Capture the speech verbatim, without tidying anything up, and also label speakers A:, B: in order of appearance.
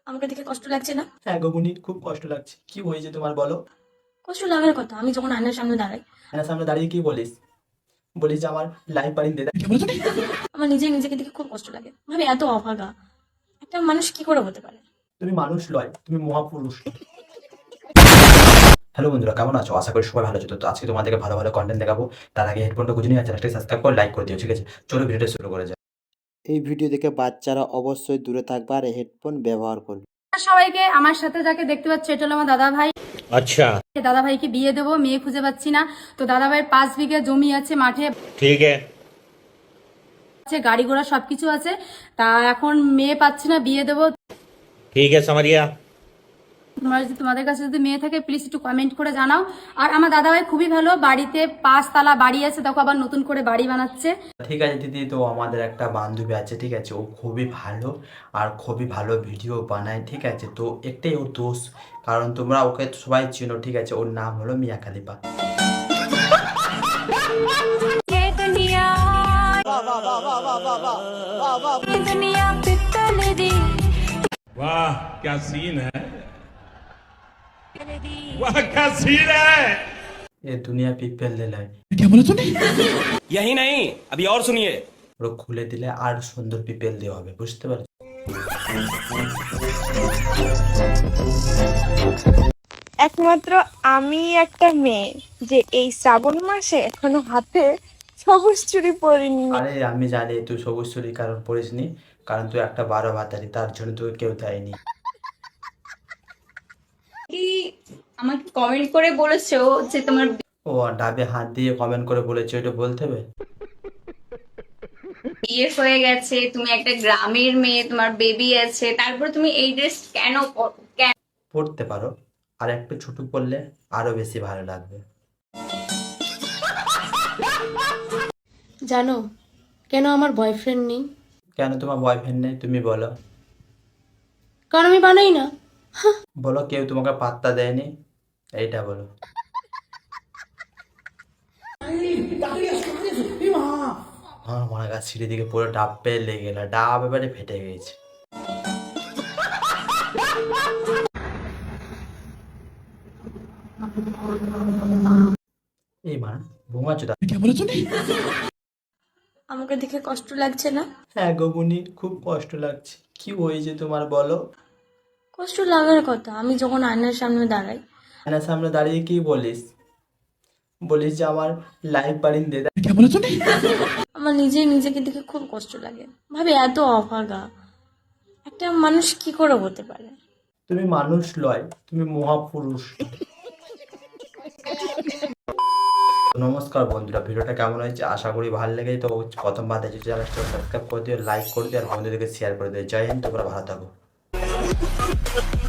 A: আমাকে দেখে কষ্ট লাগছে না?
B: হ্যাঁ গগুনি, খুব কষ্ট লাগছে। কি হয়েছে তোমার বলো?
A: কষ্ট লাগার কথা। আমি যখন আয়নার সামনে দাঁড়াই,
B: আয়নার সামনে দাঁড়িয়ে কি বলিস? বলিস যে আমার লাইফ বাড়িয়ে দে।
A: আমার নিজে নিজেকে দেখে খুব কষ্ট লাগে। ভাবি এত অভাগা একটা মানুষ কি করে হতে পারে?
B: তুমি মানুষ নয়, তুমি মহাপুরুষ। হ্যালো বন্ধুরা, কেমন আছো? আশা করি সবাই ভালো আছো। তো আজকে তোমাদেরকে ভালো ভালো কন্টেন্ট দেখাবো। তার আগে হেডফোনটা গুঁজে নিয়ে চ্যানেলটাকে সাবস্ক্রাইব করে লাইক করে দিও, ঠিক আছে? চলো ভিডিওটা শুরু করে যাও।
C: এই ভিডিও দেখে বাচ্চারা অবশ্যই দূরে থাকবে আর হেডফোন ব্যবহার করবে।
D: সবাইকে, আমার সাথে যাকে দেখতে পাচ্ছ এটা হলো আমার দাদা ভাই।
E: अच्छा
D: দাদা ভাইকে বিয়ে দেবো, মেয়ে খুঁজে পাচ্ছি না। তো দাদা ভাইয়ের পাঁচ বিঘা জমি আছে, মাঠে
E: ठीक है
D: আছে, গাড়ি ঘোড়া সবকিছু আছে। তা এখন মেয়ে পাচ্ছি না, বিয়ে দেবো।
E: ठीक है समझ गया।
D: তোমরা যদি, তোমাদের কাছে যদি মেয়ে থাকে প্লিজ একটু কমেন্ট করে জানাও। আর আমার দাদা ভাই খুবই ভালো, বাড়িতে পাঁচতলা বাড়ি আছে, দেখো আবার নতুন করে বাড়ি বানাচ্ছে।
B: ঠিক আছে দিদি, তো আমাদের একটা বান্ধবী আছে, ঠিক আছে? ও খুবই ভালো আর খুবই ভালো ভিডিও বানায়, ঠিক আছে? তো একটাই ওর দোষ, কারণ তোমরা ওকে সবাই চিনো, ঠিক আছে? ওর নাম হলো মিয়া খালিফা।
F: वाह क्या सीन है, वाह क्या सीन है।
B: এ দুনিয়া পিপেল দিলায়,
G: यही नहीं, अभी और सुनिए।
B: ওরা খুলে দিলে আর সুন্দর পিপেল দেওয়া হবে, বুঝতে পারছো?
H: একমাত্র আমি একটা মেয়ে যে এই শ্রাবণ মাসে এখনো হাতে সবুজ চুড়ি পরিনি।
B: আরে আমি জানি তুই সবুজ চুরি কারণ পড়িসনি, কারণ তুই একটা বারো ভাতারি, তার জন্য তোকে কেউ দেয়নি।
I: কি আমাকে কমেন্ট করে বলেছো যে তোমার
B: ও ডাবে হাত দিয়ে কমেন্ট করে বলেছে, ওইটা বলতে হবে?
I: বিয়ে হয়ে গেছে, তুমি একটা গ্রামের মেয়ে, তোমার বেবি আছে, তারপর তুমি এই ড্রেস কেন পরো? কেন?
B: পড়তে পারো, আর একটু ছোট করলে আরো বেশি ভালো লাগবে।
A: জানো কেন আমার বয়ফ্রেন্ড নেই?
B: কেন তোমার বয়ফ্রেন্ড নেই তুমি বলো?
A: কারণ আমি বানাই না।
B: বলো কেউ তোমাকে পাত্তা দেয়নি, এইটা বলো। আমার মনে গাছ সিঁড়ি দিকে পুরো ডাব পেয়ে লেগে গেল, ডাব এবারে ফেটে গেছে। এই মা ঘুমাচ্ছ?
A: আমাকে দেখে কষ্ট লাগছে না?
B: হ্যাঁ গগুনি, খুব কষ্ট লাগছে। কি হয়েছে তোমার বলো?
A: কষ্ট লাগার কথা। আমি যখন আয়নার সামনে দাঁড়াই,
B: আয়নার সামনে দাঁড়িয়ে কি বলিস? বলিস যে আমার লাইফ বাড়িয়ে দে।
A: আমার নিজে নিজেকে দেখে খুব কষ্ট লাগে। ভাবি এত অভাগা একটা মানুষ কি করে হতে পারে?
B: তুমি মানুষ নয়, তুমি মহাপুরুষ। নমস্কার বন্ধুরা, ভিডিওটা কেমন হয়েছে আশা করি ভালো লেগে। তো প্রথমবার দেখছি চ্যানেলটা সাবস্ক্রাইব করে দিও, লাইক করে দিও আর বন্ধুদেরকে শেয়ার করে দিও। জয় হিন্দ, তোমরা ভালো থাকো।